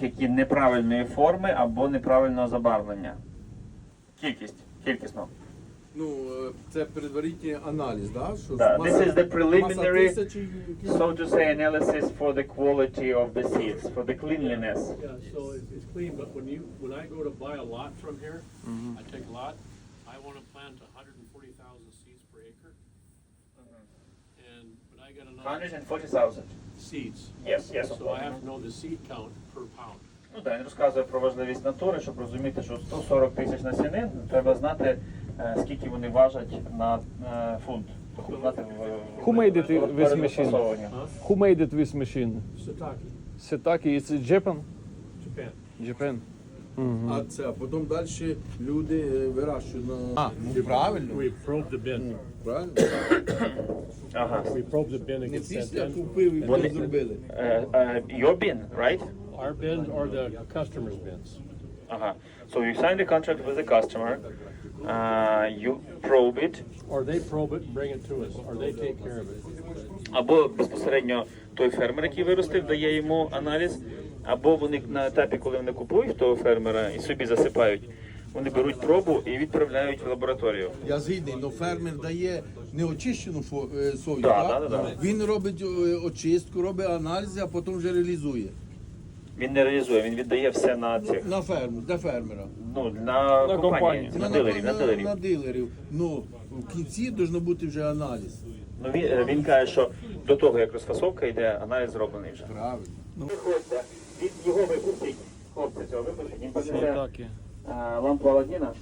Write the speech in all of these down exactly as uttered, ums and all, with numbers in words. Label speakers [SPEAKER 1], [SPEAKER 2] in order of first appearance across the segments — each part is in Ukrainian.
[SPEAKER 1] тих, які неправильної форми або неправильного забарвлення. Кількість, кількісно.
[SPEAKER 2] Ну, е, це предварительний аналіз, да? Що
[SPEAKER 1] Да,
[SPEAKER 2] маса-
[SPEAKER 1] this is the preliminary,
[SPEAKER 2] маса тисячі, які-
[SPEAKER 1] so to say, analysis for the quality of the seeds, for the cleanliness.
[SPEAKER 3] Yeah, so it's, it's clean, but when you, when I go to buy a lot from here, I take a lot, I wanna plant a hundred and forty thousand seeds per acre. And, but I got
[SPEAKER 1] one
[SPEAKER 3] enough
[SPEAKER 1] hundred forty thousand.
[SPEAKER 3] seeds,
[SPEAKER 1] Yes, yes, of
[SPEAKER 3] so I
[SPEAKER 1] course.
[SPEAKER 3] have to know the seed count per pound.
[SPEAKER 1] Ну так, він розказує про важливість натури, щоб розуміти, що сто сорок тисяч насінин, треба знати, е, скільки вони важать на е, фунт. Тобто знати в-
[SPEAKER 4] Who made it
[SPEAKER 1] в-
[SPEAKER 4] with
[SPEAKER 1] перед
[SPEAKER 4] machine?
[SPEAKER 1] застосовуванням.
[SPEAKER 4] Who made it with machine?
[SPEAKER 3] Sataki,
[SPEAKER 4] Setaki, it's Japan?
[SPEAKER 3] Japan.
[SPEAKER 4] Japan.
[SPEAKER 2] А це, а потім далі люди е, вирощують на... А, ну правильно.
[SPEAKER 3] We probe the bin,
[SPEAKER 2] Правильно?
[SPEAKER 1] Ага.
[SPEAKER 3] we probe the bin and
[SPEAKER 2] Не
[SPEAKER 3] get sent
[SPEAKER 2] після
[SPEAKER 3] in.
[SPEAKER 2] купив і
[SPEAKER 1] Вони-
[SPEAKER 2] потім зробили.
[SPEAKER 1] Е, е, your bin, right?
[SPEAKER 3] Our bins or the customer's bins.
[SPEAKER 1] Ага. So you sign the contract with the customer, uh, you probe it,
[SPEAKER 3] Or they probe it and bring it to us, or they take care of it.
[SPEAKER 1] або безпосередньо той фермер, який виростив, дає йому аналіз, або вони на етапі, коли вони купують того фермера і собі засипають, вони беруть пробу і відправляють в лабораторію.
[SPEAKER 2] Я згідний, але фермер дає неочищену фо- е, сою,
[SPEAKER 1] Да,
[SPEAKER 2] так?
[SPEAKER 1] да, да, да.
[SPEAKER 2] Він робить е, очистку, робить аналізи, а потім вже реалізує.
[SPEAKER 1] Він не реалізує, він віддає все на цих,
[SPEAKER 2] На ферму, для фермера.
[SPEAKER 1] ну, на,
[SPEAKER 4] На
[SPEAKER 1] компанії,
[SPEAKER 4] компанію.
[SPEAKER 1] на дилерів, на дилерів.
[SPEAKER 2] на дилерів. Ну, в кінці має бути вже аналіз.
[SPEAKER 1] Ну, він, е, він каже, що до того, як розфасовка йде, аналіз зроблений вже.
[SPEAKER 2] Правильно.
[SPEAKER 1] Виходьте, від його випустіть, хлопця цього випустіть, він посиде
[SPEAKER 4] Setaki.
[SPEAKER 1] лампу Аладдіна.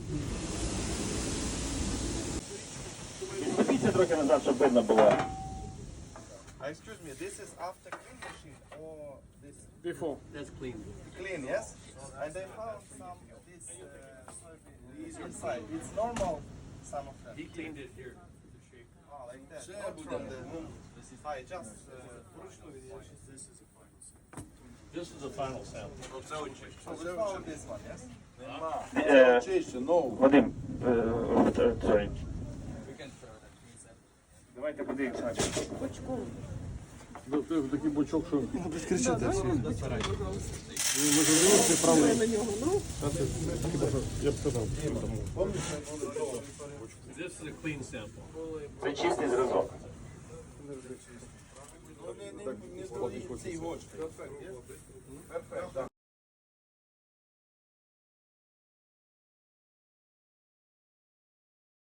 [SPEAKER 1] Відступіться трохи назад, щоб видно було.
[SPEAKER 5] Uh, excuse me, this is after clean machine or this
[SPEAKER 3] Before. That's clean.
[SPEAKER 5] clean, yes? And I found some of this uh, soybean inside. It's normal, some of them.
[SPEAKER 3] He cleaned it here, the shape.
[SPEAKER 5] Oh, like that. Not from the I just uh,
[SPEAKER 3] This is the final sample.
[SPEAKER 5] so we found this one, yes?
[SPEAKER 1] Е,
[SPEAKER 2] Чище, нову.
[SPEAKER 1] Вадим, е, е, sorry. Давайте подивимося на цю.
[SPEAKER 4] Такий бочок, що... Я б сказав.
[SPEAKER 3] This is a clean sample.
[SPEAKER 1] Це чистий зразок.
[SPEAKER 2] Цей гочки. Перфект, так.